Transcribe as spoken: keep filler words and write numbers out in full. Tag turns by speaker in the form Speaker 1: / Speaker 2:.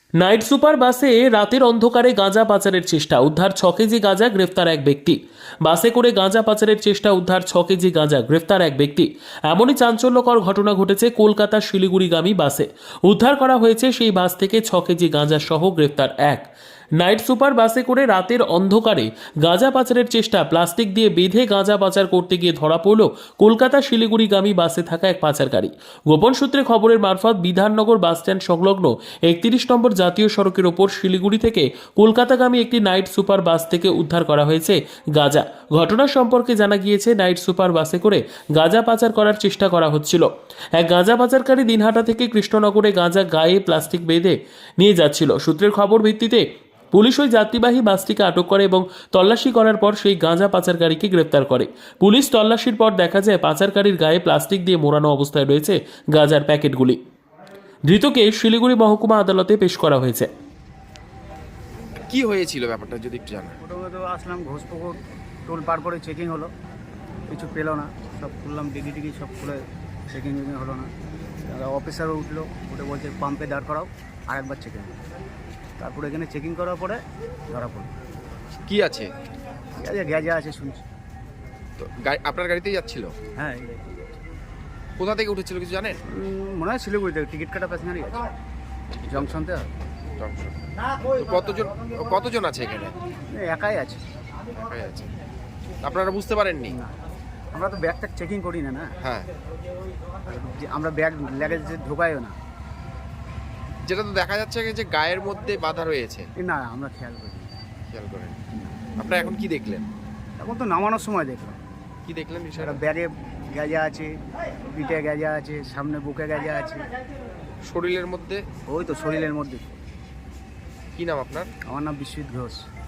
Speaker 1: Night super বাসে রাতের অন্ধকারে গাঁজা পাচারের চেষ্টা, উদ্ধার ছ কেজি গাঁজা, গ্রেফতার এক ব্যক্তি। বাসে করে গাঁজা পাচারের চেষ্টা, উদ্ধার ছ কেজি গাঁজা, গ্রেফতার এক ব্যক্তি। এমনই চাঞ্চল্যকর ঘটনা ঘটেছে কলকাতা শিলিগুড়িগামী বাসে। উদ্ধার করা হয়েছে সেই বাস থেকে ছ কেজি গাঁজা সহ গ্রেফতার এক। নাইট সুপার বাসে করে রাতের অন্ধকারে গাঁজা পাচারের চেষ্টা, প্লাস্টিক দিয়ে বেঁধে গাঁজা পাচার করতে গিয়ে ধরা পড়ল কলকাতা শিলিগুড়িগামী বাসে থাকা এক পাচারকারী। গোপন সূত্রে খবরের মারফত বিধাননগর বাসস্ট্যান্ড সংলগ্ন একত্রিশ নম্বর জাতীয় সড়কের ওপর শিলিগুড়ি থেকে কলকাতাগামী একটি নাইট সুপার বাস থেকে উদ্ধার করা হয়েছে গাঁজা। ঘটনা সম্পর্কে জানা গিয়েছে, নাইট সুপার বাসে করে গাঁজা পাচার করার চেষ্টা করা হচ্ছিল। এক গাঁজা পাচারকারী দিনহাটা থেকে কৃষ্ণনগরে গাঁজা গায়ে প্লাস্টিক বেঁধে নিয়ে যাচ্ছিল। সূত্রের খবর ভিত্তিতে পুলিশ ওই যাত্রীবাহী বাসটিকে আটক করে এবং তল্লাশি করার পর সেই গাঁজা পাচারকারীকে গ্রেপ্তার করে। পুলিশ তল্লাশির পর দেখা যায় পাচারকারীর গায়ে প্লাস্টিক দিয়ে মোড়ানো অবস্থায় রয়েছে গাঁজার প্যাকেটগুলি। ধৃতকে শিলিগুড়ি মহকুমা আদালতে পেশ করা হয়েছে।
Speaker 2: কি হয়েছিল ব্যাপারটা যদি একটু জানা।
Speaker 3: প্রথমে তো আসলাম ঘোষপুকুর, টোল পার করে চেকিং হলো, কিছু পেলো না, সব খুললাম ডিগি টিগি সব খুলে চেকিং টেকিং হলো না। অফিসারও উঠলো, উঠে বলছে পাম্পে দাঁড় করাও, আরেকবার চেকিং। তারপরে এখানে চেকিং করার পরে ধরা পড়লো।
Speaker 2: কি আছে?
Speaker 3: ঠিক আছে, গ্যাজা আছে শুনছি।
Speaker 2: তো গাড়ি আপনার গাড়িতেই যাচ্ছিল?
Speaker 3: হ্যাঁ, এই গাড়ি।
Speaker 2: কোথা থেকে উঠেছিল কিছু জানেন?
Speaker 3: উম, মনে হয় শিলিগুড়িতে টিকিট কাটা প্যাসেঞ্জারই আছে, জংশনতে।
Speaker 2: জংশন। তো কতজন কতজন আছে এখানে?
Speaker 3: একাই আছে।
Speaker 2: একাই আছে। আপনারা বুঝতে পারেননি?
Speaker 3: না, আমরা তো ব্যাগ ট্যাগ চেকিং করি না না
Speaker 2: হ্যাঁ,
Speaker 3: যে আমরা ব্যাগ ল্যাগেজ ঢোকাইও না।
Speaker 2: যেটা তো দেখা যাচ্ছে যে গায়ের মধ্যে বাধা রয়েছে।
Speaker 3: এই না, আমরা খেয়াল করি না।
Speaker 2: খেয়াল করেন। আপনারা এখন কি দেখলেন?
Speaker 3: এখন তো নামানোর সময় দেখলাম
Speaker 2: কি দেখলেন
Speaker 3: একটা
Speaker 2: বিষয়টা?
Speaker 3: ব্যাগে গ্যাজা আছে, পিঠে গ্যাজা আছে, সামনে বুকে গ্যাজা আছে।
Speaker 2: শরীরের মধ্যে?
Speaker 3: ওই তো শরীরের মধ্যে।
Speaker 2: কি নাম আপনার?
Speaker 3: আমার নাম বিশ্বজিৎ ঘোষ।